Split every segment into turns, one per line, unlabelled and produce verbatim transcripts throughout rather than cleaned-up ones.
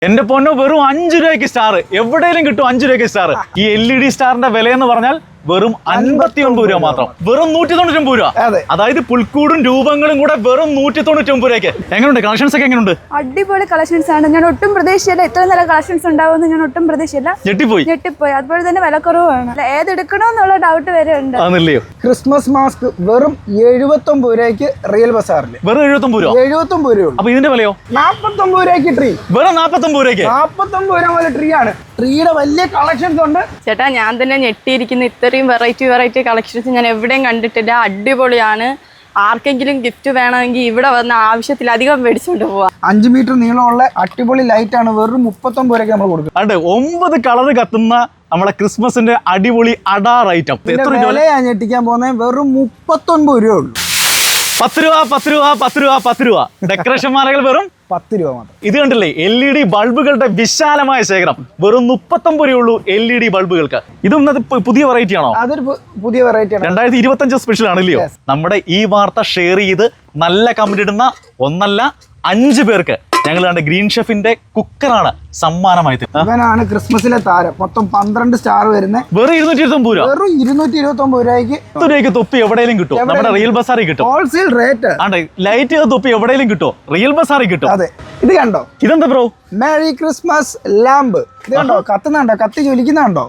എന്റെ പൊന്നോ വെറും അഞ്ചു രൂപയ്ക്ക് സ്റ്റാർ എവിടെയെങ്കിലും കിട്ടും. അഞ്ചു രൂപയ്ക്ക് സ്റ്റാർ. ഈ എൽ ഇ ഡി സ്റ്റാറിന്റെ വില എന്ന് പറഞ്ഞാൽ വെറും അൻപത്തി ഒൻപത് രൂപ മാത്രം. വെറും നൂറ്റി തൊണ്ണൂറ്റി ഒമ്പത് രൂപ. അതായത് പുൽക്കൂടും രൂപങ്ങളും കൂടെ വെറും നൂറ്റി തൊണ്ണൂറ്റി ഒമ്പത് രൂപയ്ക്ക്. എങ്ങനെയുണ്ട് കളക്ഷൻസ് ഒക്കെ? എങ്ങനെയുണ്ട്?
അടിപൊളി കളക്ഷൻസ് ആണ്. ഞാൻ ഒട്ടും പ്രതീക്ഷയില്ല ഇത്ര നല്ല കളക്ഷൻസ് ഉണ്ടാവുമെന്ന്. ഞാൻ ഒട്ടും പ്രതീക്ഷയില്ല.
ഞെട്ടിപ്പോയി
ഞെട്ടിപ്പോയി അതുപോലെ തന്നെ വിലക്കുറവാണ്. ഏതെടുക്കണോന്നുള്ള ഡൗട്ട് വരെ ഉണ്ട്.
ക്രിസ്മസ് മാസ്ക് വെറും എഴുപത്തി ഒമ്പത് രൂപയ്ക്ക് റിയൽ ബസാറിൽ.
വെറും എഴുപത്തി ഒമ്പത് രൂപ.
എഴുപത്തി ഒമ്പത് രൂപ.
അപ്പൊ ഇതിന്റെ വിലയോ?
നാപ്പത്തി ഒമ്പത് രൂപയ്ക്ക് ട്രീ.
വെറും നാപ്പത്തി ഒമ്പത് രൂപയ്ക്ക്.
നാപ്പത്തി ഒമ്പത് രൂപ മുതൽ ട്രീ ആണ്. ട്രീയുടെ വലിയ കളക്ഷൻസ് ഉണ്ട്.
ചേട്ടാ ഞാൻ തന്നെ ഞെട്ടിയിരിക്കുന്ന ഇത്രയും വെറൈറ്റി വെറൈറ്റി കളക്ഷൻസ് ഞാൻ എവിടെയും കണ്ടിട്ടില്ല. അടിപൊളിയാണ്. ആർക്കെങ്കിലും ഗിഫ്റ്റ് വേണമെങ്കിൽ ഇവിടെ വന്ന ആവശ്യത്തിലധികം മേടിച്ചുകൊണ്ട് പോവാം.
അഞ്ചു മീറ്റർ നീളമുള്ള അടിപൊളി ലൈറ്റ് ആണ് വെറും മുപ്പത്തൊമ്പത് രൂപയ്ക്ക് നമ്മൾ കൊടുക്കും.
അതെ, ഒമ്പത് കളർ കത്തുന്ന നമ്മളെ ക്രിസ്മസിന്റെ അടിപൊളി അഡാർ ഐറ്റം.
വിലയാണ് ഞെട്ടിക്കാൻ പോകുന്നത്. വെറും മുപ്പത്തൊൻപത് രൂപ ഉള്ളൂ.
പത്ത് രൂപ പത്ത് രൂപ പത്ത് രൂപ പത്ത് രൂപ. ഡെക്കറേഷൻ മാലകൾ വെറും
പത്ത് രൂപ മാത്രം.
ഇത് കണ്ടില്ലേ, എൽ ഇ ഡി ബൾബുകളുടെ വിശാലമായ ശേഖരം. വെറും മുപ്പത്തൊമ്പത് രൂപയുള്ളൂ എൽ ഇ ഡി ബൾബുകൾക്ക്. ഇതും പുതിയ വെറൈറ്റി ആണോ?
അതൊരു പുതിയ വെറൈറ്റി ആണ്.
രണ്ടായിരത്തി ഇരുപത്തി അഞ്ച് സ്പെഷ്യൽ ആണല്ലയോ? നമ്മുടെ ഈ വാർത്ത ഷെയർ ചെയ്ത് നല്ല കമന്റ് ഇടുന്ന ഒന്നല്ല അഞ്ചു പേർക്ക് ഞങ്ങൾ കണ്ട ഗ്രീൻ ഷെഫിന്റെ കുക്കറാണ് സമ്മാനമായി.
ഇവനാണ് ക്രിസ്മസിലെ താരം. മൊത്തം പന്ത്രണ്ട് സ്റ്റാർ വരുന്നത്.
വെറും ഇരുന്നൂറ്റി ഇരുപത്തി ഒമ്പത് രൂപ.
വെറും ഇരുന്നൂറ്റി ഇരുപത്തി ഒമ്പത് രൂപയ്ക്ക്
രൂപയ്ക്ക് തൊപ്പി എവിടെയും കിട്ടും. നമ്മുടെ റിയൽ ബസാറിൽ കിട്ടും.
Wholesale rate.
ആണ്ടെ, ലൈറ്റ് തൊപ്പി എവിടെയും കിട്ടും. റിയൽ ബസാറിൽ കിട്ടും.
അതെ, ഇത് കണ്ടോ?
ഇതെന്താ ബ്രോ?
Merry Christmas lamp. ഇത് കണ്ടോ? കത്തുന്നുണ്ടോ? കത്തി ജ്വലിക്കുന്നുണ്ടോ?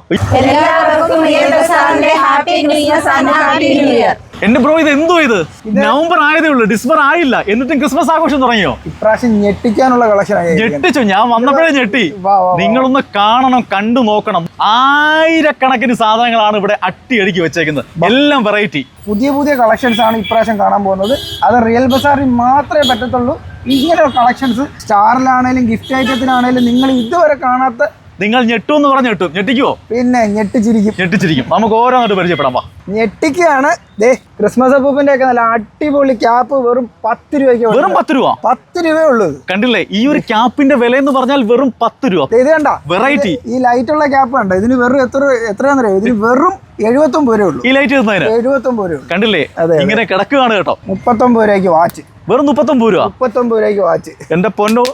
എന്റെ ബ്രോ, ഇത് എന്തോ? ഇത് നവംബർ ആയതേ ഉള്ളൂ, ഡിസംബർ ആയില്ല, എന്നിട്ടും ക്രിസ്മസ് ആഘോഷം തുടങ്ങിയോ?
ഇപ്രാവശ്യം ഞെട്ടിക്കാനുള്ള കളക്ഷൻ.
ഞെട്ടിച്ചു, ഞാൻ വന്നപ്പോഴേ ഞെട്ടി. നിങ്ങളൊന്ന് കാണണം, കണ്ടു നോക്കണം. ആയിരക്കണക്കിന് സാധനങ്ങളാണ് ഇവിടെ അട്ടിയടിക്കി വെച്ചേക്കുന്നത്. എല്ലാം വെറൈറ്റി
പുതിയ പുതിയ കളക്ഷൻസ് ആണ് ഇപ്രാവശ്യം കാണാൻ പോകുന്നത്. അത് റിയൽ ബസാറിൽ മാത്രമേ പറ്റത്തുള്ളൂ. ഇങ്ങനെ കളക്ഷൻസ് സ്റ്റാറിലാണേലും ഗിഫ്റ്റ് ഐറ്റത്തിനാണേലും നിങ്ങൾ ഇതുവരെ കാണാത്ത.
നിങ്ങൾ ഞെട്ടു എന്ന് പറഞ്ഞ ഞെട്ടും. ഞെട്ടിക്കുവോ?
പിന്നെ ഞെട്ടിച്ചിരിക്കും.
ഞെട്ടിച്ചിരിക്കും. നമുക്ക് ഓരോന്നായിട്ട് പരിചയപ്പെടാം.
ഞെട്ടിക്കാണ്. ദേ ക്രിസ്മസ് അപ്പൂപ്പിന്റെ ഒക്കെ നല്ല അടിപൊളി ക്യാപ്പ് വെറും പത്ത് രൂപയ്ക്ക്.
വെറും പത്ത് രൂപ.
പത്ത് രൂപയേ ഉള്ളൂ.
കണ്ടില്ലേ, ഈ ഒരു ക്യാപ്പിന്റെ വില എന്ന് പറഞ്ഞാൽ വെറും പത്ത് രൂപ.
ഇത് കണ്ട
വെറൈറ്റി.
ഈ ലൈറ്റ് ഉള്ള ക്യാപ്പ് കണ്ട. ഇതിന് വെറും എത്ര എത്രയാണെന്ന് അറിയാം? ഇതിന് വെറും എഴുപത്തി ഒമ്പത് രൂപ ഉള്ളൂ.
ഈ ലൈറ്റ്
എഴുപത്തി ഒമ്പത് രൂപ.
കണ്ടില്ലേ, ഇങ്ങനെ കിടക്കുകയാണ് കേട്ടോ.
മുപ്പത്തൊമ്പത് രൂപയ്ക്ക് വാച്ച്.
വെറും മുപ്പത്തൊമ്പത് രൂപ.
മുപ്പത്തൊമ്പത് രൂപയ്ക്ക് വാച്ച്.
എന്റെ പൊന്നോ,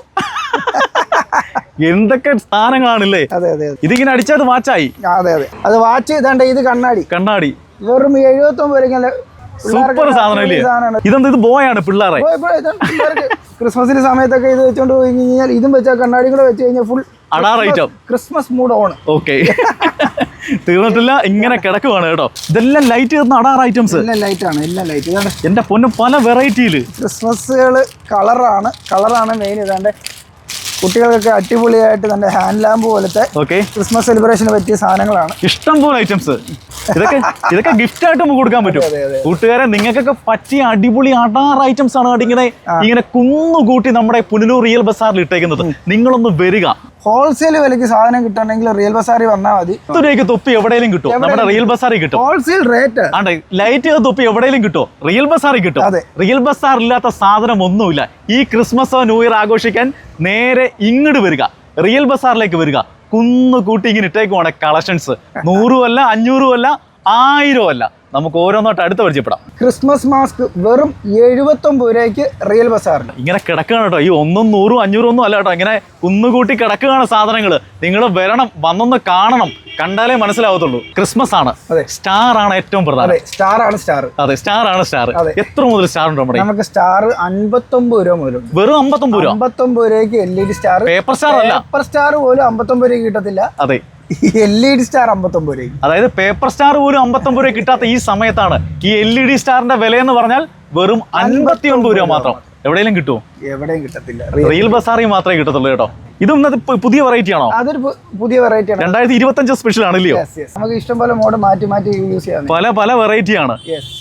എന്തൊക്കെ സാധനങ്ങളാണല്ലേ.
അതെ അതെ.
ഇതിങ്ങനെ അടിച്ചത് വാച്ചായി.
അതെ അതെ. അത് വാച്ച്. ഇതാണ്ട് ഇത് കണ്ണാടി.
കണ്ണാടി
വെറും എഴുപത്തി ഒമ്പത് രൂപയ്ക്ക്.
സൂപ്പർ സാധനം ഇല്ലേ? ഇതെന്താ? ഇത് ബോയാണ് പിള്ളേരെ.
ക്രിസ്മസിന്റെ സമയത്തൊക്കെ ഇത് വെച്ചോണ്ട് പോയി കഴിഞ്ഞാൽ ഇതും വെച്ചാൽ കണ്ണാടി കൂടെ വെച്ച് കഴിഞ്ഞാൽ ഫുൾ
അഡാർ item.
Christmas mood on.
Okay, തീർന്നിട്ടില്ല, ഇങ്ങനെ കിടക്കുവാണ് കേട്ടോ. ഇതെല്ലാം ലൈറ്റ് ചെയ്യുന്ന അഡാർ ഐറ്റംസ്.
എല്ലാം ലൈറ്റ് ആണ്. എല്ലാം ലൈറ്റ്. ഇതാണ്
എന്റെ പൊന്നും, പല വെറൈറ്റിയില്
ക്രിസ്മസുകള്. കളറാണ് കളറാണ് മെയിൻ. ഇതാണ്ട് കുട്ടികൾക്കൊക്കെ അടിപൊളിയായിട്ട് തന്നെ ഹാൻഡ് ലാമ്പ് പോലത്തെ ക്രിസ്മസ് സെലിബ്രേഷന് പറ്റിയ സാധനങ്ങളാണ്.
ഇഷ്ടം പോലെ ഐറ്റംസ്. ഇതൊക്കെ ഇതൊക്കെ ഗിഫ്റ്റ് ആയിട്ട് നമുക്ക് കൊടുക്കാൻ പറ്റും. കൂട്ടുകാരെ, നിങ്ങൾക്കൊക്കെ പറ്റിയ അടിപൊളി അഡാർ ഐറ്റംസ് ആണ് ഇങ്ങനെ ഇങ്ങനെ കുന്നുകൂട്ടി നമ്മുടെ പുനലൂർ റിയൽ ബസാറിൽ ഇട്ടേക്കുന്നത്. നിങ്ങളൊന്ന് വരിക.
ഹോൾസെയിൽ വിലയ്ക്ക് സാധനം കിട്ടണമെങ്കിൽ റിയൽ ബസാറിൽ വന്നാൽ മതി.
പത്ത് രൂപയ്ക്ക് തൊപ്പി എവിടെയും കിട്ടും. നമ്മുടെ റിയൽ ബസാറിൽ കിട്ടും.
Wholesale rate.
ആണ്ടെ, ലൈറ്റ് തൊപ്പി എവിടെയും കിട്ടും. റിയൽ ബസാറിൽ കിട്ടും. റിയൽ ബസാർ ഇല്ലാത്ത സാധനം ഒന്നുമില്ല. ഈ ക്രിസ്മസോ ന്യൂ ഇയർ ആഘോഷിക്കാൻ നേരെ ഇങ്ങോട്ട് വരിക, റിയൽ ബസാറിലേക്ക് വരിക. കുന്നു കൂട്ടി ഇങ്ങനെ ഇട്ടേക്കുവാണ് കളക്ഷൻസ്. നൂറും അല്ല, അഞ്ഞൂറും അല്ല, ആയിരം അല്ല. നമുക്ക് ഓരോന്നോട്ട് അടുത്ത് പരിചയപ്പെടാം.
ക്രിസ്മസ് മാസ്ക് വെറും എഴുപത്തി ഒമ്പത് രൂപയ്ക്ക് റിയൽ ബസാറിൽ.
ഇങ്ങനെ കിടക്കുകയാണ് കേട്ടോ. ഈ ഒന്നും നൂറും അഞ്ഞൂറും ഒന്നും അല്ല കേട്ടോ. ഇങ്ങനെ കുന്നുകൂട്ടി കിടക്കുകയാണ് സാധനങ്ങൾ. നിങ്ങൾ വരണം, വന്നൊന്ന് കാണണം, കണ്ടാലേ മനസ്സിലാവത്തുള്ളൂ. ക്രിസ്മസ് ആണ്. സ്റ്റാർ ആണ് ഏറ്റവും പ്രധാനം.
സ്റ്റാർ ആണ് സ്റ്റാർ.
അതെ, സ്റ്റാർ ആണ് സ്റ്റാർ. എത്ര മുതൽ സ്റ്റാർ ഉണ്ട് നമ്മുടെ?
നമുക്ക് സ്റ്റാർ അമ്പത്തൊമ്പത് രൂപ മുതൽ.
വെറും അമ്പത്തൊമ്പത് രൂപ.
അമ്പത്തൊമ്പത് രൂപയ്ക്ക് L E D star.
Paper star അല്ല.
പേപ്പർ സ്റ്റാർ പോലും അമ്പത്തൊമ്പത് രൂപ കിട്ടത്തില്ല.
അതെ,
എൽ ഇ ഡി സ്റ്റാർ അമ്പത്തൊമ്പത് രൂപ.
അതായത് പേപ്പർ സ്റ്റാർ പോലും അമ്പത്തൊമ്പത് രൂപ കിട്ടാത്ത ഈ സമയത്താണ് ഈ എൽ ഇ ഡി സ്റ്റാറിന്റെ വില എന്ന് പറഞ്ഞാൽ വെറും അൻപത്തി ഒൻപത് രൂപ മാത്രം. എവിടെയെങ്കിലും കിട്ടുമോ?
എവിടെയും കിട്ടത്തില്ല.
റിയൽ ബസാറിൽ മാത്രമേ കിട്ടത്തുള്ളൂ കേട്ടോ. ഇതും പുതിയ വെറൈറ്റി ആണോ?
അതൊരു പുതിയ വെറൈറ്റി ആണ്.
രണ്ടായിരത്തി ഇരുപത്തി അഞ്ച് സ്പെഷ്യൽ ആണല്ലയോ?
നമുക്ക് ഇഷ്ടം പോലെ മോഡ് മാറ്റി മാറ്റി യൂസ് ചെയ്യാം.
പല പല വെറൈറ്റി ആണ്.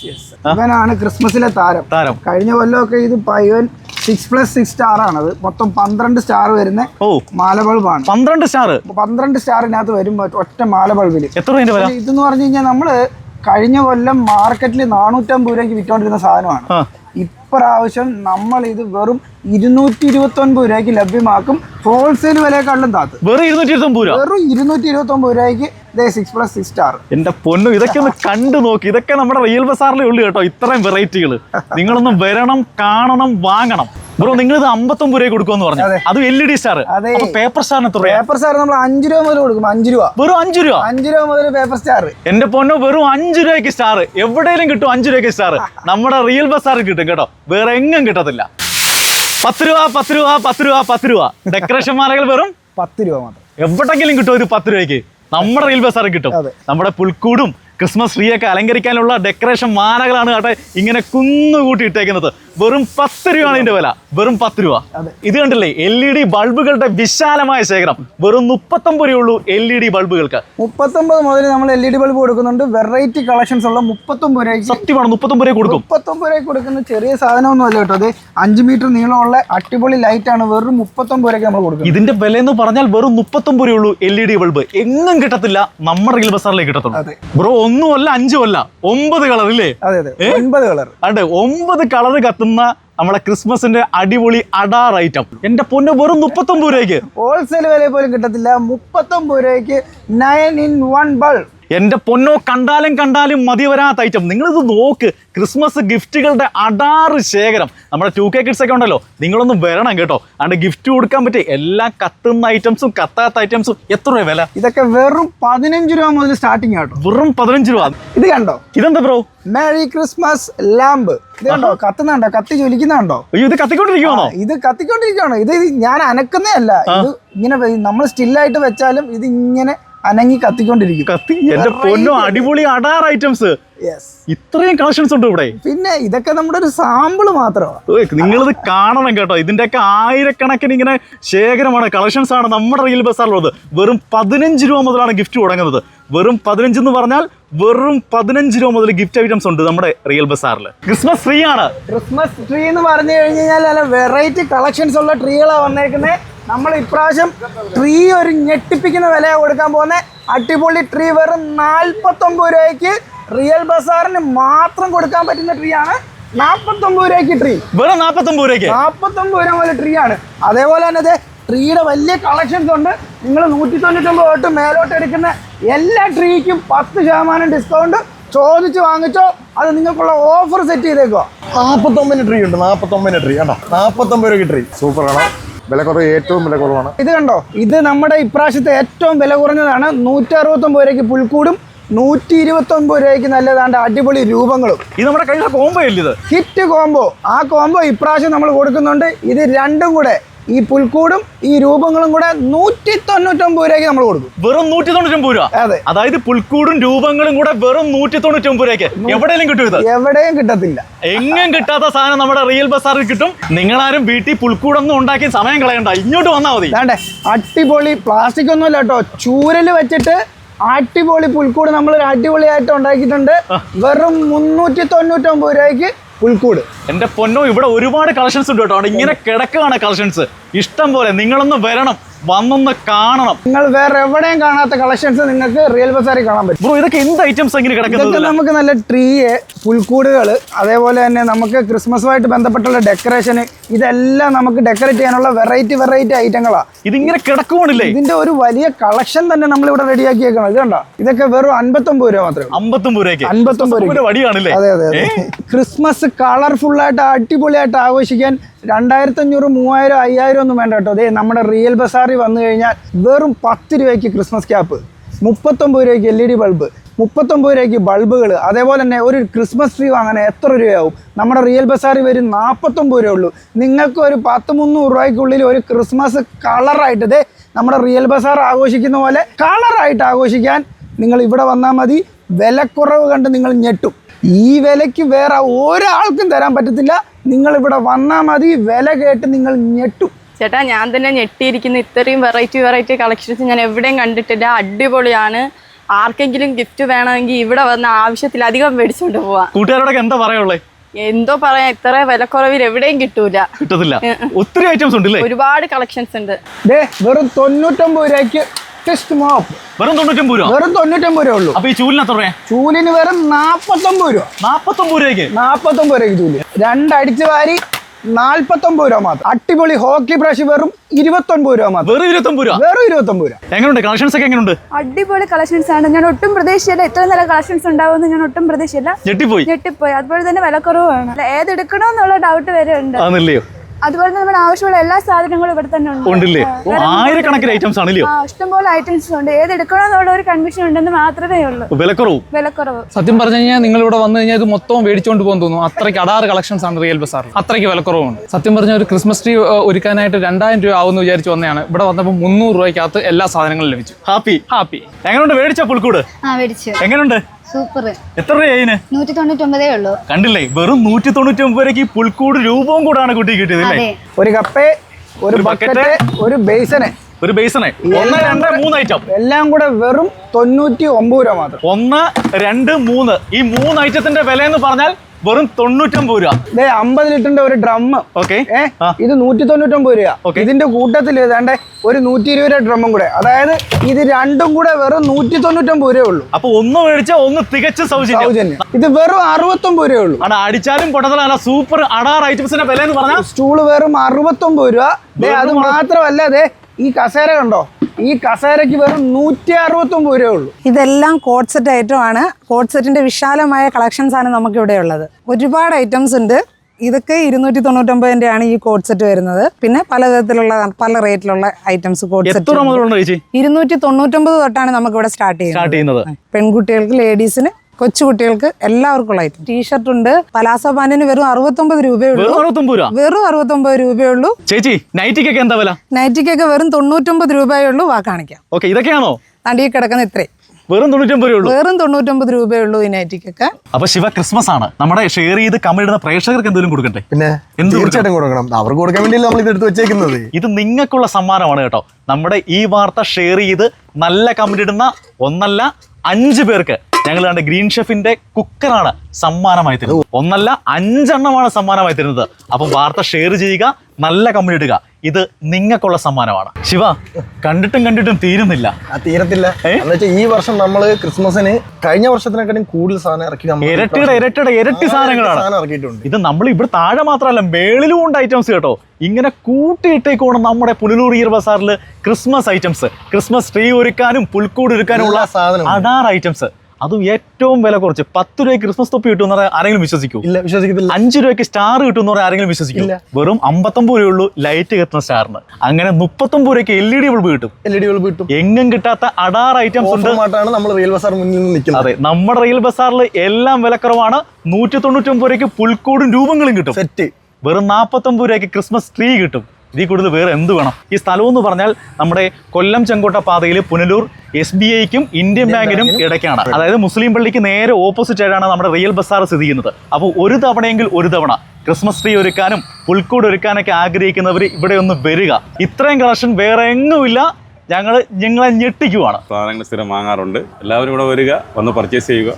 ഇവനാണ് ക്രിസ്മസിലെ താരം. താരം കഴിഞ്ഞ കൊല്ലമൊക്കെ ഇത് five six plus six star ആണത്. മൊത്തം പന്ത്രണ്ട് സ്റ്റാർ വരുന്ന ഓ മാല ബൾബാണ്.
പന്ത്രണ്ട് സ്റ്റാർ.
പന്ത്രണ്ട് സ്റ്റാറിനകത്ത് വരും ഒറ്റ മാല ബൾബില്.
എത്ര രൂപ വില?
ഇതെന്ന് പറഞ്ഞു കഴിഞ്ഞാൽ നമ്മള് കഴിഞ്ഞ കൊല്ലം മാർക്കറ്റിൽ നാനൂറ്റമ്പത് രൂപയ്ക്ക് വിറ്റോണ്ടിരുന്ന സാധനമാണ്. ഇപ്രാവശ്യം നമ്മൾ ഇത് വെറും ഇരുന്നൂറ്റി ഇരുപത്തി ഒൻപത് രൂപയ്ക്ക് ലഭ്യമാക്കും. ഹോൾസെയിൽ വിലയെക്കാളും താത്ത്.
വെറും ഇരുന്നൂറ്റി ഇരുപത്തി ഒമ്പത് രൂപ.
വെറും ഇരുന്നൂറ്റി ഇരുപത്തി ഒമ്പത് രൂപയ്ക്ക് സിക്സ് പ്ലസ് സിക്സ് സ്റ്റാർ.
എന്റെ പൊന്നു, ഇതൊക്കെ ഒന്ന് കണ്ടു നോക്കി. ഇതൊക്കെ നമ്മുടെ റിയൽ ബസാറിലേ ഉള്ളു കേട്ടോ, ഇത്രയും വെറൈറ്റികൾ. നിങ്ങളൊന്ന് വരണം, കാണണം, വാങ്ങണം. ബ്രോ നിങ്ങൾ ഇത് അമ്പത്തൊമ്പത് രൂപ കൊടുക്കുമെന്ന് പറഞ്ഞു, അത് എൽ ഇ ഡി സ്റ്റാർ.
അതെ.
പേപ്പർ സ്റ്റാറിന് എത്ര രൂപ?
പേപ്പർ സ്റ്റാർ നമ്മൾ അഞ്ചു രൂപ മുതൽ കൊടുക്കും. അഞ്ചു രൂപ
വെറും അഞ്ചു രൂപ
അഞ്ചു രൂപ മുതൽ പേപ്പർ സ്റ്റാർ.
എന്റെ പൊന്നോ, വെറും അഞ്ചു രൂപയ്ക്ക് സ്റ്റാർ എവിടെയെങ്കിലും കിട്ടും. അഞ്ചു രൂപയ്ക്ക് സ്റ്റാർ നമ്മുടെ റിയൽ ബസാറിൽ കിട്ടും കേട്ടോ, വേറെ എങ്ങും കിട്ടത്തില്ല. പത്ത് രൂപ പത്ത് രൂപ പത്ത് രൂപ പത്ത് രൂപ ഡെക്കറേഷൻ മാലകൾ വെറും
പത്ത് രൂപ മാത്രം.
എവിടെങ്കിലും കിട്ടും ഒരു പത്ത് രൂപയ്ക്ക്, നമ്മുടെ റിയൽ ബസാറിൽ കിട്ടും. നമ്മുടെ പുൽക്കൂടും ക്രിസ്മസ് ട്രീ ഒക്കെ അലങ്കരിക്കാനുള്ള ഡെക്കറേഷൻ മാലകളാണ് കേട്ടെ ഇങ്ങനെ കുന്നുകൂട്ടി ഇട്ടേക്കുന്നത്. വെറും പത്ത് രൂപയാണ് ഇതിന്റെ വില, വെറും പത്ത് രൂപ. ഇത് കണ്ടില്ലേ എൽ ഇ ഡി ബൾബുകളുടെ വിശാലമായ ശേഖരം, വെറും മുപ്പത്തൊമ്പത് രൂപയുള്ളൂ എൽ ഇ ഡി ബൾബുകൾക്ക്.
മുപ്പത്തൊമ്പത് മുതൽ നമ്മൾ എൽ ഇ ഡി ബൾബ് കൊടുക്കുന്നുണ്ട്. വെറൈറ്റി കളക്ഷൻസ് ഉള്ള മുപ്പത്തൊമ്പത് രൂപയ്ക്ക്.
സത്യമാണ്, മുപ്പത്തൊമ്പത് രൂപ കൊടുക്കും.
മുപ്പത്തൊമ്പത് രൂപയ്ക്ക് കൊടുക്കുന്ന ചെറിയ സാധനമൊന്നും അല്ല കേട്ടോ. അത് അഞ്ച് മീറ്റർ നീളമുള്ള അടിപൊളി ലൈറ്റ് ആണ്, വെറും മുപ്പത്തൊമ്പത് രൂപയ്ക്ക് നമ്മൾ കൊടുക്കും.
ഇതിന്റെ വില എന്ന് പറഞ്ഞാൽ വെറും മുപ്പത്തൊമ്പത് രൂപയുള്ളൂ എൽ ഇ ഡി ബൾബ്. എങ്ങും കിട്ടത്തില്ല, നമ്മുടെ റിയൽ ബസാറിലേക്ക് കിട്ടത്തുള്ളൂ. ബ്രോ ഒന്നും അല്ല അഞ്ചും അല്ല ഒമ്പത് കളർ ഇല്ലേ?
അതെ അതെ, ഒൻപത് കളർ.
അതെ, ഒമ്പത് കളർ കത്തുന്ന നമ്മളെ ക്രിസ്മസിന്റെ അടിപൊളി അഡാർ ഐറ്റം. എന്റെ പൊന്ന് വെറും മുപ്പത്തൊമ്പത് രൂപയ്ക്ക്,
ഹോൾസെയിൽ വില പോലും കിട്ടത്തില്ല. മുപ്പത്തൊമ്പത് രൂപയ്ക്ക് നയൻ ഇൻ വൺ ബൾബ്.
എന്റെ പൊന്നോ, കണ്ടാലും കണ്ടാലും മതി വരാത്ത ഐറ്റം. നിങ്ങളിത് നോക്ക്, ക്രിസ്മസ് ഗിഫ്റ്റുകളുടെ അടാറ് ശേഖരം. നമ്മുടെ ടു കെ കിഡ്സ് ഒക്കെ ഉണ്ടല്ലോ, നിങ്ങളൊന്ന് വരണം കേട്ടോ. അതുകൊണ്ട് ഗിഫ്റ്റ് കൊടുക്കാൻ പറ്റിയ എല്ലാ കത്തുന്ന ഐറ്റംസും കത്താത്ത ഐറ്റംസും. എത്ര രൂപ വില?
ഇതൊക്കെ വെറും പതിനഞ്ച് രൂപ മുതൽ സ്റ്റാർട്ടിങ് ആട്ടോ.
വെറും പതിനഞ്ച് രൂപ.
ഇത് കണ്ടോ,
ഇതെന്താ ബ്രോ?
Merry Christmas lamp. ഇത് കണ്ടോ, കത്തുന്നുണ്ടോ, കത്തി ജ്വലിക്കുന്നുണ്ടോ?
അയ്യോ, ഇത് കത്തിക്കൊണ്ടിരിക്കുവാണോ?
ഇത് കത്തിക്കൊണ്ടിരിക്കുകയാണോ? ഇത് ഞാൻ അനക്കുന്നേ അല്ല, ഇത് ഇങ്ങനെ നമ്മൾ സ്റ്റില്ലായിട്ട് വെച്ചാലും ഇത് ഇങ്ങനെ അനങ്ങി കത്തിക്കൊണ്ടിരിക്കും.
കത്തി. എന്റെ പൊന്നോ, അടിപൊളി അടാർ ഐറ്റംസ്. ഇത്രയും കളക്ഷൻസ് ഉണ്ട് ഇവിടെ.
പിന്നെ ഇതൊക്കെ നമ്മുടെ ഒരു സാമ്പിള് മാത്രമാണ്.
നിങ്ങളിത് കാണണം കേട്ടോ. ഇതിന്റെയൊക്കെ ആയിരക്കണക്കിന് ഇങ്ങനെ ശേഖരമാണ്, കളക്ഷൻസ് ആണ് നമ്മുടെ റിയൽ ബസാറിലുള്ളത്. വെറും പതിനഞ്ച് രൂപ മുതലാണ് ഗിഫ്റ്റ് തുടങ്ങുന്നത്. വെറും പതിനഞ്ച് എന്ന് പറഞ്ഞാൽ വെറും പതിനഞ്ച് രൂപ മുതൽ ഗിഫ്റ്റ് ഐറ്റംസ് ഉണ്ട് നമ്മുടെ റിയൽ ബസാറിൽ. ക്രിസ്മസ് ട്രീ ആണ്.
ക്രിസ്മസ് ട്രീ എന്ന് പറഞ്ഞു കഴിഞ്ഞ് കഴിഞ്ഞാൽ നല്ല വെറൈറ്റി കളക്ഷൻസ് ഉള്ള ട്രീകളാണ് വന്നേക്കുന്നത്. നമ്മൾ ഇപ്രാവശ്യം ട്രീ ഒരു ഞെട്ടിപ്പിക്കുന്ന വിലയാണ് കൊടുക്കാൻ പോകുന്നത്. അടിപൊളി ട്രീ വെറും നാൽപ്പത്തൊമ്പത് രൂപയ്ക്ക് റിയൽ ബസാറിന് മാത്രം കൊടുക്കാൻ പറ്റുന്ന ട്രീ ആണ്. നാൽപ്പത്തൊമ്പത് രൂപയ്ക്ക് ട്രീ,
വെറും നാൽപ്പത്തൊമ്പത് രൂപയ്ക്ക്
നാൽപ്പത്തൊമ്പത് രൂപ മുതൽ ട്രീ ആണ്. അതേപോലെ തന്നെ അതെ ട്രീയുടെ വലിയ കളക്ഷൻസ് ഉണ്ട്. നിങ്ങൾ നൂറ്റി തൊണ്ണൂറ്റൊമ്പത് തൊട്ട് മേലോട്ട് എടുക്കുന്ന എല്ലാ ട്രീക്കും പത്ത് ശതമാനം ഡിസ്കൗണ്ട്. ചോദിച്ച് വാങ്ങിച്ചോ, അത് നിങ്ങൾക്കുള്ള ഓഫർ സെറ്റ് ചെയ്തേക്കോ.
നാൽപ്പത്തൊമ്പതിന് ട്രീ ഉണ്ട്. നാൽപ്പത്തൊമ്പതിന് ട്രീ കണ്ടോ, നാൽപ്പത്തൊമ്പത് രൂപയ്ക്ക് ട്രീ. സൂപ്പറാണ്, വില കുറവ്, ഏറ്റവും വില കുറവാണ്.
ഇത് കണ്ടോ, ഇത് നമ്മുടെ ഇപ്രാവശ്യത്തെ ഏറ്റവും വില കുറഞ്ഞതാണ്. നൂറ്റി അറുപത്തൊമ്പത് രൂപയ്ക്ക് പുൽക്കൂടും, നൂറ്റി ഇരുപത്തി ഒമ്പത് രൂപയ്ക്ക് നല്ലതാണ്ട് അടിപൊളി രൂപങ്ങളും.
ഇത് നമ്മുടെ കഴിഞ്ഞ കോംബോ അല്ലേ? ഇത്
ഹിറ്റ് കോംബോ. ആ കോംബോ ഇപ്രാവശ്യം നമ്മൾ കൊടുക്കുന്നുണ്ട്. ഇത് രണ്ടും കൂടെ, ഈ പുൽക്കൂടും ഈ രൂപങ്ങളും കൂടെ നൂറ്റി തൊണ്ണൂറ്റൊമ്പത് രൂപയ്ക്ക് നമ്മൾ കൊടുക്കും.
വെറും നൂറ്റി തൊണ്ണൂറ്റൊമ്പത് രൂപ.
അതെ,
അതായത് പുൽക്കൂടും രൂപങ്ങളും കൂടെ വെറും നൂറ്റി തൊണ്ണൂറ്റൊമ്പത് രൂപയ്ക്ക്. എവിടെയെങ്കിലും കിട്ടും ഇത്?
എവിടെയും കിട്ടത്തില്ല.
എങ്ങും കിട്ടാത്ത സാധനം നമ്മുടെ റിയൽ ബസാറിൽ കിട്ടും. നിങ്ങളാരും വീട്ടിൽ പുൽക്കൂടൊന്നും ഉണ്ടാക്കി സമയം കളയണ്ട, ഇങ്ങോട്ട് വന്നാൽ മതി.
അതാണ്ട് അടിപൊളി പ്ലാസ്റ്റിക് ഒന്നുമില്ല കേട്ടോ, ചൂരല് വെച്ചിട്ട് അടിപൊളി പുൽക്കൂട് നമ്മളൊരു അടിപൊളിയായിട്ട് ഉണ്ടാക്കിയിട്ടുണ്ട്. വെറും മുന്നൂറ്റി തൊണ്ണൂറ്റൊമ്പത് രൂപയ്ക്ക് പുൽക്കൂട്.
എന്റെ പൊന്നോ, ഇവിടെ ഒരുപാട് കളക്ഷൻസ് ഉണ്ട് കേട്ടോ. ഇങ്ങനെ കിടക്കുകയാണ് കളക്ഷൻസ് ഇഷ്ടം പോലെ. നിങ്ങളൊന്ന് വരണം, വന്നൊന്ന് കാണണം.
നിങ്ങൾ വേറെ എവിടെയും കാണാത്ത കളക്ഷൻസ് നിങ്ങൾക്ക് റിയൽ ബസാറിൽ കാണാൻ പറ്റും.
ബ്രോ, ഇതൊക്കെ എന്ത് ഐറ്റംസ് എങ്ങനെ കിടക്കുന്നത്?
നമുക്ക് നല്ല ട്രീ, പുൽക്കൂടുകൾ, അതേപോലെ തന്നെ നമുക്ക് ക്രിസ്മസുമായിട്ട് ബന്ധപ്പെട്ടുള്ള ഡെക്കറേഷൻ, ഇതെല്ലാം നമുക്ക് ഡെക്കറേറ്റ് ചെയ്യാനുള്ള വെറൈറ്റി വെറൈറ്റി ഐറ്റങ്ങളാണ്.
ഇതിങ്ങനെ കിടക്കുവാണില്ലേ?
ഇതിന്റെ ഒരു വലിയ കളക്ഷൻ തന്നെ നമ്മൾ ഇവിടെ റെഡിയാക്കി വെക്കണം. ഇത് കണ്ടോ, ഇതൊക്കെ വെറും അൻപത്തൊമ്പത് രൂപ മാത്രമേ.
അമ്പത്തൊമ്പത് രൂപയ്ക്ക്
അൻപത്തൊമ്പത് രൂപ
വടിയാണല്ലേ?
അതെ അതെ അതെ. ക്രിസ്മസ് കളർഫുൾ ആയിട്ട് അടിപൊളിയായിട്ട് ആഘോഷിക്കാൻ രണ്ടായിരത്തി അഞ്ഞൂറ് മൂവായിരം അയ്യായിരം ഒന്നും വേണ്ട കേട്ടോ. അതെ, നമ്മുടെ റിയൽ ബസാറിൽ വന്നു കഴിഞ്ഞാൽ വെറും പത്ത് രൂപയ്ക്ക് ക്രിസ്മസ് ക്യാപ്പ്, മുപ്പത്തൊമ്പത് രൂപയ്ക്ക് എൽ ഇ ഡി ബൾബ്, മുപ്പത്തൊമ്പത് രൂപയ്ക്ക് ബൾബുകൾ. അതേപോലെ തന്നെ ഒരു ക്രിസ്മസ് ട്രീ വാങ്ങാൻ എത്ര രൂപയാവും? നമ്മുടെ റിയൽ ബസാറിൽ വരും നാൽപ്പത്തൊമ്പത് രൂപ ഉള്ളൂ. നിങ്ങൾക്ക് ഒരു പത്ത് മുന്നൂറ് രൂപയ്ക്കുള്ളിൽ ഒരു ക്രിസ്മസ് കളറായിട്ട്, ഇതേ നമ്മുടെ റിയൽ ബസാർ ആഘോഷിക്കുന്ന പോലെ കളറായിട്ട് ആഘോഷിക്കാൻ നിങ്ങൾ ഇവിടെ വന്നാൽ മതി. വിലക്കുറവ് കണ്ട് നിങ്ങൾ ഞെട്ടും. ഈ വിലയ്ക്ക് വേറെ ഒരാൾക്കും തരാൻ പറ്റത്തില്ല. നിങ്ങൾ ഇവിടെ വന്നാൽ മതി, വില കേട്ട് നിങ്ങൾ ഞെട്ടും.
ചേട്ടാ, ഞാൻ തന്നെ ഞെട്ടിയിരിക്കുന്ന ഇത്രയും വെറൈറ്റി വെറൈറ്റി കളക്ഷൻസ് ഞാൻ എവിടെയും കണ്ടിട്ടില്ല. അടിപൊളിയാണ്. ആർക്കെങ്കിലും ഗിഫ്റ്റ് വേണമെങ്കിൽ ഇവിടെ വന്ന ആവശ്യത്തിലധികം മേടിച്ചോണ്ട് പോവാ.
കൂട്ടുകാരോടൊക്കെ എന്താ പറയാനുള്ളത്?
എന്തോ പറയാ, ഇത്ര വിലക്കുറവിൽ എവിടെയും കിട്ടൂല.
കിട്ടത്തില്ല. ഒത്തിരി ഐറ്റംസ് ഉണ്ട്,
ഒരുപാട് കളക്ഷൻസ് ഉണ്ട്.
വെറും തൊണ്ണൂറ്റൊമ്പത് രൂപയ്ക്ക് ടെസ്റ്റ് മോപ്പ്,
വെറും തൊണ്ണൂറ്റൊമ്പത് രൂപ.
വെറും തൊണ്ണൂറ്റൊമ്പത് രൂപ ഉള്ളൂ.
അപ്പൊ ഈ ചൂലിന് എത്ര രൂപ?
ചൂലിന് വെറും നാപ്പത്തൊമ്പത് രൂപ.
നാപ്പത്തൊമ്പത് രൂപയ്ക്ക്
നാപ്പത്തൊമ്പത് രൂപയ്ക്ക് ചൂല്. രണ്ടടിച്ച് വാരി നാല്പത്തൊമ്പത് രൂപ മാത്രം. അടിപൊളി ഹോക്കി ബ്രഷ് വെറും ഇരുപത്തൊൻപത് രൂപ മാത്രം.
വെറും ഇരുപത്തൊമ്പത് രൂപ.
വെറും ഇരുപത്തൊമ്പത് രൂപ.
എങ്ങനെയുണ്ട് കളക്ഷൻസ് ഒക്കെ? എങ്ങനെയുണ്ട്?
അടിപൊളി കളക്ഷൻസ് ആണ്. ഞാൻ ഒട്ടും പ്രതീക്ഷയില്ല ഇത്ര നല്ല കളക്ഷൻസ് ഉണ്ടാവുമെന്ന്. ഞാൻ ഒട്ടും പ്രതീക്ഷയില്ല.
ഞെട്ടിപ്പോയി
ഞെട്ടിപ്പോയി. അതുപോലെ തന്നെ വിലക്കുറവാണ്. ഏതെടുക്കണോന്നുള്ള ഡൗട്ട് വരെ ഉണ്ട്.
ആണല്ലയോ?
അതുപോലെ തന്നെ നമ്മുടെ ആവശ്യമുള്ള എല്ലാ സാധനങ്ങളും ഇവിടെ തന്നെ ഉണ്ട്.
ഉണ്ടല്ലേ? ഓ, ആയിരക്കണക്കിന് ഐറ്റംസ് ആണല്ലോ.
ആ, ഇഷ്ടംപോലെ ഐറ്റംസ് ഉണ്ട്. ഏത് എടുക്കണമെന്നുള്ള ഒരു കൺഫ്യൂഷൻ ഉണ്ടെന്ന് മാത്രമേ ഉള്ളൂ.
വിലക്കുറവും
വിലക്കുറവ്.
സത്യം പറഞ്ഞു കഴിഞ്ഞാൽ നിങ്ങൾ ഇവിടെ വന്നു കഴിഞ്ഞാൽ ഇത് മൊത്തം മേടിച്ചുകൊണ്ട് പോകാൻ തോന്നുന്നു. അത്രയ്ക്ക് അടാറ് കളക്ഷൻസ് ആണ് റിയൽ ബസാറിൽ. അത്രയ്ക്ക് വിലക്കുറവുണ്ട്. സത്യം പറഞ്ഞ ഒരു ക്രിസ്മസ് ട്രീ ഒരുക്കാനായിട്ട് രണ്ടായിരം രൂപ ആവുമെന്ന് വിചാരിച്ചു വന്നതാണ്. ഇവിടെ വന്നപ്പോൾ മുന്നൂറ് രൂപയ്ക്കകത്ത് എല്ലാ സാധനങ്ങളും ലഭിച്ചു.
Happy
happy.
എങ്ങനെയുണ്ട് മേടിച്ച പുൽക്കൂട്?
ആ മേടിച്ചു.
എങ്ങനെയുണ്ട്?
സൂപ്പർ.
എത്ര രൂപ?
നൂറ്റി തൊണ്ണൂറ്റൊമ്പതേ ഉള്ളൂ.
കണ്ടില്ലേ, വെറും നൂറ്റി തൊണ്ണൂറ്റി ഒമ്പത് രൂപയ്ക്ക് ഈ പുൽക്കൂട് രൂപവും കൂടാണ് കുട്ടി കിട്ടിയത് അല്ലേ?
ഒരു കപ്പ്, ഒരു ബക്കറ്റ്, ഒരു ബേസന്,
ഒരു ബേസനെ, ഒന്ന് രണ്ട് മൂന്ന് ഐറ്റം
എല്ലാം കൂടെ വെറും തൊണ്ണൂറ്റി ഒമ്പത് രൂപ മാത്രം.
ഒന്ന് രണ്ട് മൂന്ന് ഈ മൂന്ന് ഐറ്റത്തിന്റെ വില എന്ന് പറഞ്ഞാൽ വെറും തൊണ്ണൂറ്റൊമ്പത് രൂപ.
ഇതേ അമ്പത് ലിറ്ററിന്റെ ഒരു ഡ്രം.
ഓക്കെ,
ഏ ഇത് നൂറ്റി തൊണ്ണൂറ്റൊമ്പത് രൂപ. ഇതിന്റെ കൂട്ടത്തിൽ ഏതാണ്ട് ഒരു നൂറ്റി ഇരുപത് രൂപ ഡ്രമ്മും കൂടെ, അതായത് ഇത് രണ്ടും കൂടെ വെറും നൂറ്റി തൊണ്ണൂറ്റൊമ്പത് രൂപ ഉള്ളൂ.
അപ്പൊ ഒന്ന് മേടിച്ചാൽ ഒന്ന് തികച്ചും സൗജന്യം.
ഇത് വെറും അറുപത്തൊമ്പത് രൂപ ഉള്ളൂ.
ആണ് അടിച്ചാലും പൊട്ടതല സൂപ്പർ അടാർ ഐറ്റംസിന്റെ വില എന്ന് പറഞ്ഞാൽ
സ്റ്റൂള് വെറും അറുപത്തൊമ്പത് രൂപ. ദേ അത് മാത്രമല്ല, അതെ ഈ കസേര കണ്ടോ, ഈ കസേരയ്ക്ക് വെറും നൂറ്റി അറുപത്തൊമ്പത് രൂപ ഉള്ളൂ.
ഇതെല്ലാം കോട്ട് സെറ്റ് ഐറ്റം ആണ്. കോട്ട് സെറ്റിന്റെ വിശാലമായ കളക്ഷൻസ് ആണ് നമുക്ക് ഇവിടെ ഉള്ളത്. ഒരുപാട് ഐറ്റംസ് ഉണ്ട്. ഇതൊക്കെ ഇരുന്നൂറ്റി തൊണ്ണൂറ്റൊമ്പതിന്റെ ആണ് ഈ കോട്ട് സെറ്റ് വരുന്നത്. പിന്നെ പലവിധത്തിലുള്ള പല റേറ്റിലുള്ള ഐറ്റംസ് കോട്ട് സെറ്റ് ഇരുന്നൂറ്റി തൊണ്ണൂറ്റൊമ്പത് തൊട്ടാണ് നമുക്ക് ഇവിടെ സ്റ്റാർട്ട് ചെയ്യുന്നത്. പെൺകുട്ടികൾക്ക്, ലേഡീസിന്, കൊച്ചുകുട്ടികൾക്ക് എല്ലാവർക്കും ഉള്ള ഐറ്റം. ടീഷർട്ട് ഉണ്ട്. പലാസോ പാന്റിന് വെറും അറുപത്തൊമ്പത് രൂപയുള്ളൂ. വെറും അറുപത്തൊമ്പത് രൂപയുള്ളൂ.
ചേച്ചി നൈറ്റിക്കൊക്കെ എന്താ വില?
നൈറ്റിക്കൊക്കെ വെറും തൊണ്ണൂറ്റൊമ്പത് രൂപയുള്ളൂ. വാ കാണിക്കാം.
ഓക്കെ, ഇതൊക്കെയാണോ?
തണ്ടി കിടക്കുന്ന ഇത്രയും
വെറും തൊണ്ണൂറ്റൊമ്പത് രൂപ.
വെറും തൊണ്ണൂറ്റൊമ്പത് രൂപയുള്ളൂ ഈ നൈറ്റിക്കൊക്കെ.
അപ്പൊ ശിവ, ക്രിസ്മസ് ആണ്. നമ്മുടെ ഷെയർ ചെയ്ത് കമന്റ് ഇടുന്ന പ്രേക്ഷകർക്ക് എന്തെങ്കിലും കൊടുക്കട്ടെ?
പിന്നെ തീർച്ചയായിട്ടും കൊടുക്കണം. അവർക്ക് കൊടുക്കാൻ വേണ്ടി നമ്മൾ ഇത് എടുത്ത് വെച്ചേക്കുന്നത്.
ഇത് നിങ്ങൾക്കുള്ള സമ്മാനമാണ് കേട്ടോ. നമ്മുടെ ഈ വാർത്ത ഷെയർ ചെയ്ത് നല്ല കമന്റ് ഇടുന്ന ഒന്നല്ല അഞ്ച് പേർക്ക് ഞങ്ങൾ കണ്ട ഗ്രീൻ ഷെഫിന്റെ കുക്കറാണ് സമ്മാനമായി തരുന്നത്. ഒന്നല്ല അഞ്ചെണ്ണമാണ് സമ്മാനമായി തരുന്നത്. അപ്പം വാർത്ത ഷെയർ ചെയ്യുക, നല്ല കമന്റ് ഇടുക. ഇത് നിങ്ങൾക്കുള്ള സമ്മാനമാണ്. ശിവ, കണ്ടിട്ടും കണ്ടിട്ടും തീരുന്നില്ല.
ആ തീരത്തില്ല. എന്ന് വെച്ചാൽ ഈ വർഷം നമ്മള് ക്രിസ്മസിന് കഴിഞ്ഞ വർഷത്തിനെക്കാളും കൂടുതൽ സാധനം ഇറക്കി.
ഇരട്ടിയുടെ ഇരട്ടിയുടെ ഇരട്ടി സാധനങ്ങളാണ്
ഇറക്കിയിട്ടുണ്ട്.
ഇത് നമ്മൾ ഇവിടെ താഴെ മാത്രമല്ല, മേളിലും ഉണ്ട് ഐറ്റംസ് കേട്ടോ. ഇങ്ങനെ കൂട്ടിയിട്ടേക്കോണം നമ്മുടെ പുനലൂർ റിയൽ ബസാറിൽ ക്രിസ്മസ് ഐറ്റംസ്. ക്രിസ്മസ് ട്രീ ഒരുക്കാനും പുൽക്കൂട് ഒരുക്കാനുമുള്ള അടാർ ഐറ്റംസ്. അതും ഏറ്റവും വില കുറച്ച്. പത്ത് രൂപയ്ക്ക് ക്രിസ്മസ് തൊപ്പി കിട്ടും എന്ന് പറയാൻ ആരെങ്കിലും വിശ്വസിക്കൂ?
ഇല്ല, വിശ്വസിക്കത്തില്ല.
അഞ്ച് രൂപയ്ക്ക് സ്റ്റാർ കിട്ടും എന്ന് പറയാൻ ആരെങ്കിലും വിശ്വസിക്കും? വെറും അമ്പത്തൊമ്പത് രൂപയുള്ളൂ ലൈറ്റ് കത്തുന്ന സ്റ്റാറിന്. അങ്ങനെ മുപ്പത്തൊമ്പത് രൂപയ്ക്ക് എൽ ഇ ഡി ബൾബ് കിട്ടും.
എൽ ഇ ഡി ബൾബ് കിട്ടും.
എങ്ങും കിട്ടാത്ത അടാർ ഐറ്റംസ് ഉണ്ട്.
നമ്മൾ റിയൽ ബസാർ മുന്നിൽ നിന്ന് നിൽക്കുന്നത്.
അതെ, നമ്മുടെ റിയൽ ബസാറിൽ എല്ലാം വിലക്കുറവാണ്. നൂറ്റി തൊണ്ണൂറ്റി ഒമ്പത് രൂപയ്ക്ക് പുൽക്കൂടും രൂപങ്ങളും കിട്ടും.
സെറ്റ്
വെറും നാൽപ്പത്തൊമ്പത് രൂപയ്ക്ക് ക്രിസ്മസ് ട്രീ കിട്ടും. ഇതിൽ കൂടുതൽ വേറെ എന്ത് വേണം? ഈ സ്ഥലം എന്ന് പറഞ്ഞാൽ നമ്മുടെ കൊല്ലം ചെങ്കോട്ട പാതയിൽ പുനലൂർ എസ് ബി ഐക്കും ഇന്ത്യൻ ബാങ്കിനും ഇടയ്ക്കാണ്. അതായത് മുസ്ലിം പള്ളിക്ക് നേരെ ഓപ്പോസിറ്റ് ആയിട്ടാണ് നമ്മുടെ റിയൽ ബസാർ സ്ഥിതി ചെയ്യുന്നത്. അപ്പോൾ ഒരു തവണയെങ്കിൽ ഒരു തവണ ക്രിസ്മസ് ട്രീ ഒരുക്കാനും പുൽക്കൂട് ഒരുക്കാനൊക്കെ ആഗ്രഹിക്കുന്നവർ ഇവിടെ ഒന്ന് വരിക. ഇത്രയും കളക്ഷൻ വേറെ എങ്ങുമില്ല. ഞങ്ങൾ ഞങ്ങളെ ഞെട്ടിക്കുവാണ്.
സാധനങ്ങൾ സ്ഥിരം വാങ്ങാറുണ്ട്. എല്ലാവരും ഇവിടെ വരിക, വന്ന് പർച്ചേസ് ചെയ്യുക.